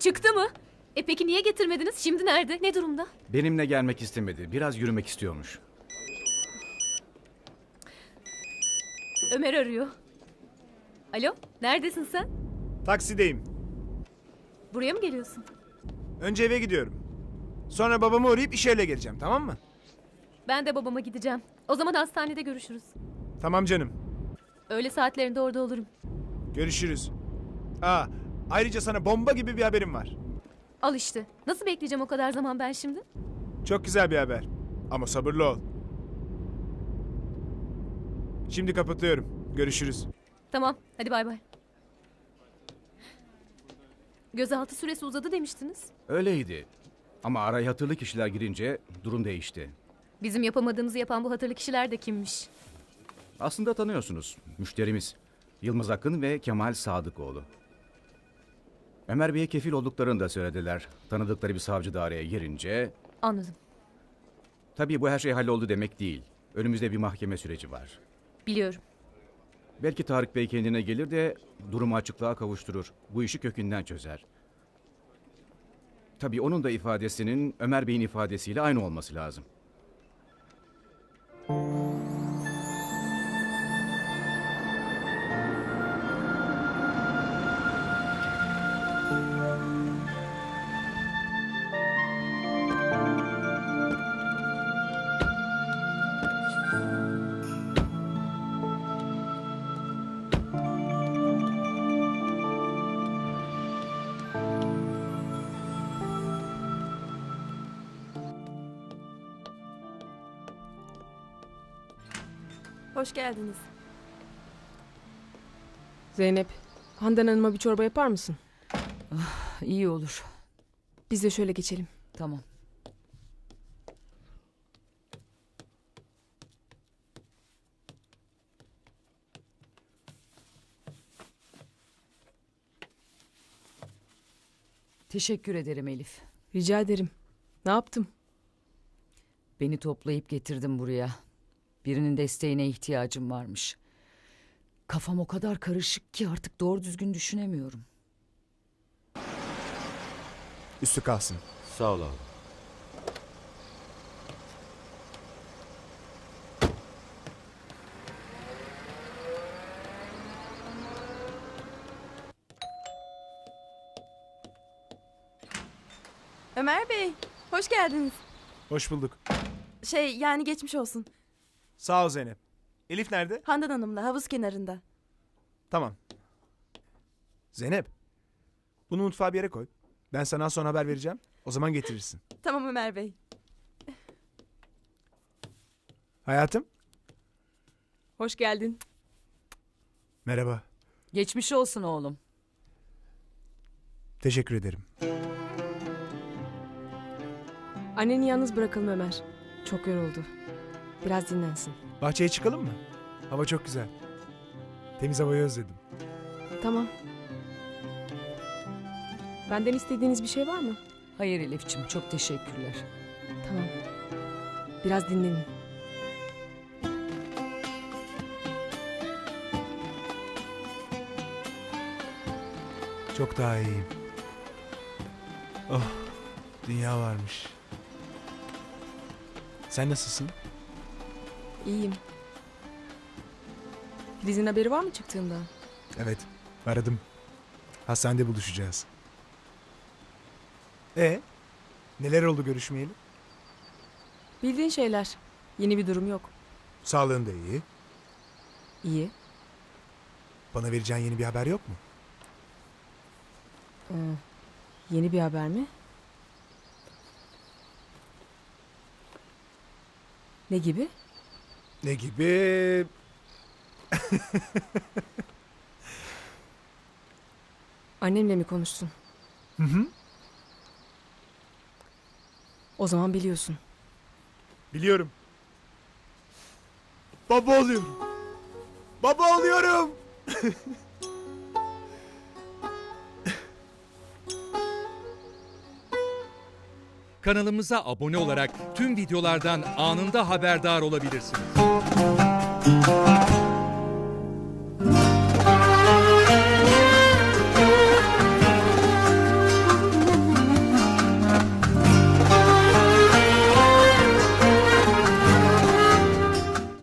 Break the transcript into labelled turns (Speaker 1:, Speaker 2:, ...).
Speaker 1: Çıktı mı? Peki niye getirmediniz? Şimdi nerede? Ne durumda?
Speaker 2: Benimle gelmek istemedi. Biraz yürümek istiyormuş.
Speaker 1: Ömer arıyor. Alo, neredesin sen?
Speaker 3: Taksideyim.
Speaker 1: Buraya mı geliyorsun?
Speaker 3: Önce eve gidiyorum. Sonra babamı uğrayıp iş yerine geleceğim, tamam mı?
Speaker 1: Ben de babama gideceğim. O zaman hastanede görüşürüz.
Speaker 3: Tamam canım.
Speaker 1: Öğle saatlerinde orada olurum.
Speaker 3: Görüşürüz. Ayrıca sana bomba gibi bir haberim var.
Speaker 1: Al işte. Nasıl bekleyeceğim o kadar zaman ben şimdi?
Speaker 3: Çok güzel bir haber. Ama sabırlı ol. Şimdi kapatıyorum. Görüşürüz.
Speaker 1: Tamam, hadi bay bay. Gözaltı süresi uzadı demiştiniz.
Speaker 2: Öyleydi. Ama araya hatırlı kişiler girince durum değişti.
Speaker 1: Bizim yapamadığımızı yapan bu hatırlı kişiler de kimmiş?
Speaker 2: Aslında tanıyorsunuz. Müşterimiz. Yılmaz Akın ve Kemal Sadıkoğlu. Ömer Bey'e kefil olduklarını da söylediler. Tanıdıkları bir savcı da araya girince...
Speaker 1: Anladım.
Speaker 2: Tabii bu her şey halloldu demek değil. Önümüzde bir mahkeme süreci var.
Speaker 1: Biliyorum.
Speaker 2: Belki Tarık Bey kendine gelir de durumu açıklığa kavuşturur. Bu işi kökünden çözer. Tabii onun da ifadesinin Ömer Bey'in ifadesiyle aynı olması lazım.
Speaker 4: Hoş geldiniz.
Speaker 5: Zeynep, Handan Hanım'a bir çorba yapar mısın?
Speaker 6: İyi olur.
Speaker 5: Biz de şöyle geçelim.
Speaker 6: Tamam. Teşekkür ederim Elif.
Speaker 5: Rica ederim. Ne yaptım?
Speaker 6: Beni toplayıp getirdin buraya. Birinin desteğine ihtiyacım varmış. Kafam o kadar karışık ki artık doğru düzgün düşünemiyorum.
Speaker 3: Üstü kalsın.
Speaker 7: Sağ ol abi.
Speaker 4: Ömer Bey, hoş geldiniz.
Speaker 3: Hoş bulduk.
Speaker 4: Yani geçmiş olsun.
Speaker 3: Sağ ol Zeynep. Elif nerede?
Speaker 4: Handan Hanım'la havuz kenarında.
Speaker 3: Tamam. Zeynep. Bunu mutfağa bir yere koy. Ben sana az sonra haber vereceğim. O zaman getirirsin.
Speaker 4: Tamam Ömer Bey.
Speaker 3: Hayatım.
Speaker 5: Hoş geldin.
Speaker 3: Merhaba.
Speaker 6: Geçmiş olsun oğlum.
Speaker 3: Teşekkür ederim.
Speaker 5: Anneni yalnız bırakalım Ömer. Çok yoruldu. Biraz dinlensin.
Speaker 3: Bahçeye çıkalım mı? Hava çok güzel. Temiz havayı özledim.
Speaker 5: Tamam. Benden istediğiniz bir şey var mı?
Speaker 6: Hayır Elif'ciğim, çok teşekkürler.
Speaker 5: Tamam. Biraz dinlenin.
Speaker 3: Çok daha iyiyim. Oh, dünya varmış. Sen nasılsın?
Speaker 5: İyiyim. Filiz'in haberi var mı çıktığımdan?
Speaker 3: Evet, aradım. Hastanede buluşacağız. Neler oldu görüşmeyeli?
Speaker 5: Bildiğin şeyler. Yeni bir durum yok.
Speaker 3: Sağlığın da iyi.
Speaker 5: İyi.
Speaker 3: Bana vereceğin yeni bir haber yok mu?
Speaker 5: Yeni bir haber mi? Ne gibi?
Speaker 3: Ne gibi?
Speaker 5: Annemle mi konuştun?
Speaker 3: Hı hı.
Speaker 5: O zaman biliyorsun.
Speaker 3: Biliyorum. Baba oluyorum. Baba oluyorum.
Speaker 8: Kanalımıza abone olarak tüm videolardan anında haberdar olabilirsiniz.